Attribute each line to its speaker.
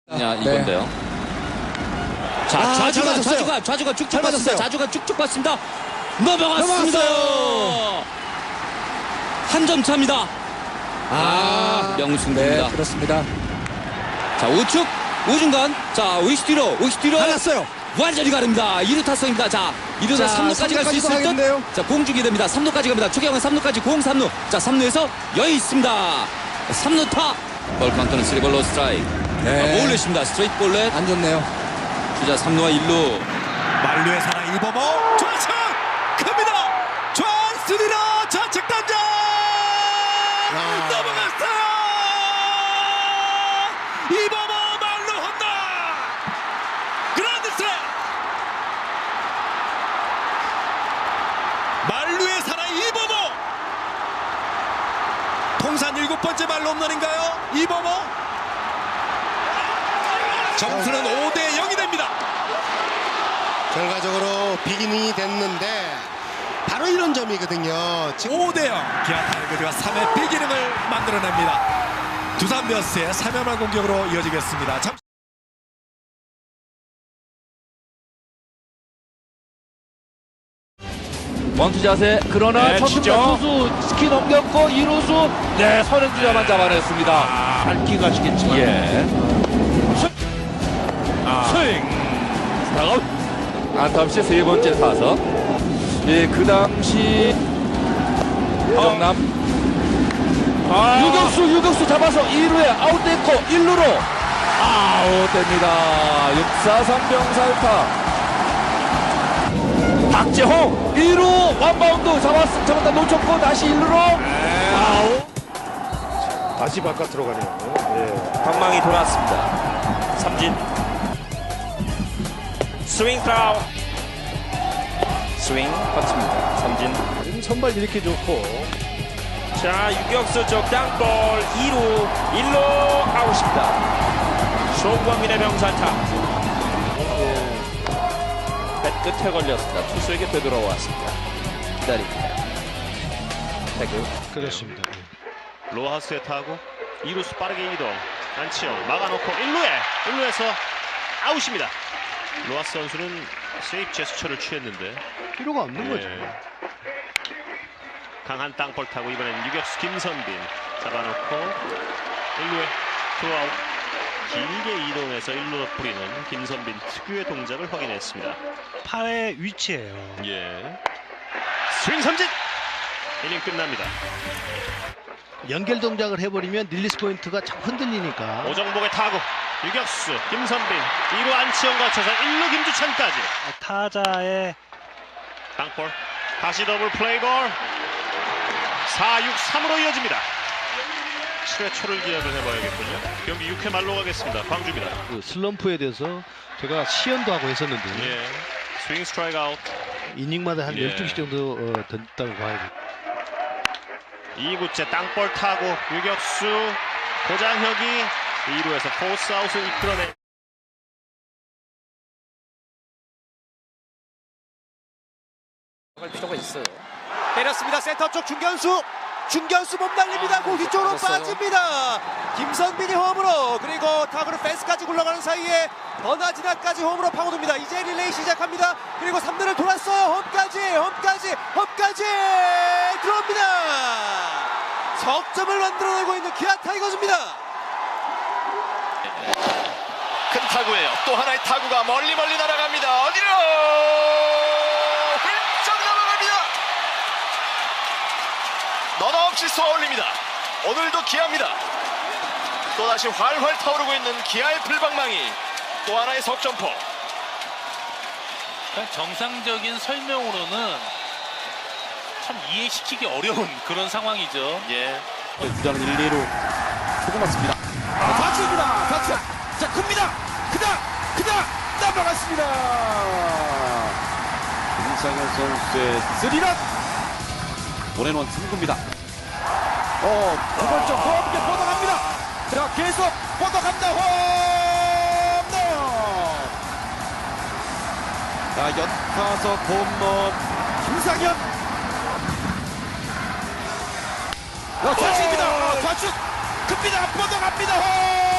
Speaker 1: 이건데요. 자, 좌주가 쭉쭉 봤습니다. 좌주가 쭉쭉 봤습니다. 넘어갔습니다. 한 점 차입니다. 명승부입니다.
Speaker 2: 네, 그렇습니다.
Speaker 1: 자, 우측, 우중간. 자, 우익수 뒤로.
Speaker 2: 갈랐어요.
Speaker 1: 완전히 가릅니다. 2루 타성입니다. 자, 2루에서 3루까지 갈 수 있을
Speaker 2: 하겠는데요.
Speaker 1: 듯. 자, 공 주게 됩니다. 3루까지 갑니다. 최경환 3루까지 공 3루. 자, 3루에서 여유 있습니다. 3루 타. 볼 카운트는 3볼로 스트라이크.
Speaker 2: 네.
Speaker 1: 볼넷입니다. 스트레이트 볼넷.
Speaker 2: 안 좋네요.
Speaker 1: 주자 3루와 1루.
Speaker 3: 만루의 사나 이범호 좌측 갑니다. 좌스리로 좌측 당장 넘어갔어요. 이범호 만루 홈런 그라운드 스트라이크. 만루의 사나 이범호 통산 7번째 만루 홈런인가요? 이범호 점수는 5대 0이 됩니다.
Speaker 4: 결과적으로 비기닝이 됐는데 바로 이런 점이거든요.
Speaker 3: 5대 0 기아 타이거즈가 3회 비기닝을 만들어냅니다. 두산 베어스의 3연말 공격으로 이어지겠습니다.
Speaker 5: 원투 자세 그러나
Speaker 3: 네,
Speaker 5: 첫투 투수 스키 넘겼고 2루수 네 선행주자만 잡아냈습니다. 밟기 가시겠지만 스윙 스타아웃 안타없이 세 번째 타석. 그 당시 정남 유격수 잡아서 2루에 아웃됐고 1루로 아웃됩니다. 6-4-3 병살타. 박재홍 2루 원바운드 잡았다 놓쳤고 다시 1루로 아웃.
Speaker 6: 다시 바깥으로 가네요.
Speaker 7: 방망이 돌았습니다. 삼진 스윙 트라우 스윙 퍼칩니다. 삼진
Speaker 6: 선발 이렇게 좋고
Speaker 7: 자 유격수 쪽 땅볼 2루 1루 아웃입니다. 송광민의 병살타 배 끝에 걸렸습니다. 투수에게 되돌아왔습니다. 기다립니다. 태그
Speaker 6: 그렇습니다.
Speaker 8: 로하스에 타고 2루수 빠르게 이동 안치영 막아놓고 1루에서 아웃입니다. 로하스 선수는 세이프 제스처를 취했는데
Speaker 6: 필요가 없는 거죠.
Speaker 8: 강한 땅볼 타고 이번엔 유격수 김선빈 잡아놓고 1루에 투아웃 길게 이동해서 1루로 뿌리는 김선빈 특유의 동작을 확인했습니다.
Speaker 9: 팔의 위치예요.
Speaker 8: 스윙 삼진 이닝 끝납니다.
Speaker 9: 연결 동작을 해버리면 릴리스 포인트가 자꾸 흔들리니까.
Speaker 8: 오정복의 타구 유격수 김선빈 2루 안치영 거쳐서 1루 김주찬까지
Speaker 9: 타자의
Speaker 8: 땅볼 다시 더블 플레이볼 4-6-3으로 이어집니다. 7회 초를 기약을 해봐야겠군요. 경기 6회 말로 가겠습니다. 광주입니다.
Speaker 9: 그 슬럼프에 대해서 제가 시연도 하고 했었는데
Speaker 8: 스윙 스트라이크 아웃
Speaker 9: 이닝마다 한 12시 정도 던졌다고 봐야죠.
Speaker 8: 2구째 땅볼 타고 유격수 고장혁이 2루에서 포스 아웃을 이끌어내
Speaker 1: 필요가 있어요.
Speaker 3: 때렸습니다. 센터 쪽 중견수 못 날립니다. 공 뒤쪽으로 빠집니다. 김선빈이 홈으로 그리고 타구는 펜스까지 굴러가는 사이에 버나지나까지 홈으로 파고듭니다. 이제 릴레이 시작합니다. 그리고 3루를 돌았어요. 홈까지 들어옵니다. 석점을 만들어내고 있는 기아 타이거즈입니다.
Speaker 10: 큰 타구예요. 또 하나의 타구가 멀리 날아갑니다. 어디로 훌쩍 넘어갑니다. 너나 없이 쏘아올립니다. 오늘도 기아입니다. 또다시 활활 타오르고 있는 기아의 불방망이. 또 하나의 석점포.
Speaker 5: 정상적인 설명으로는 참 이해시키기 어려운 그런 상황이죠.
Speaker 1: 주자는 1, 2루 조금 맞습니다.
Speaker 2: 좌측입니다. 좌측. 자, 큽니다. 크다. 넘어갔습니다.
Speaker 1: 김상현 선수의 3런 원앤원 승부입니다.
Speaker 2: 두 번째 함께 뻗어갑니다. 자, 계속 뻗어갑니다. 홈런.
Speaker 1: 자, 연타석 홈런
Speaker 2: 김상현. 좌측입니다. 좌측. 큽니다. 뻗어갑니다.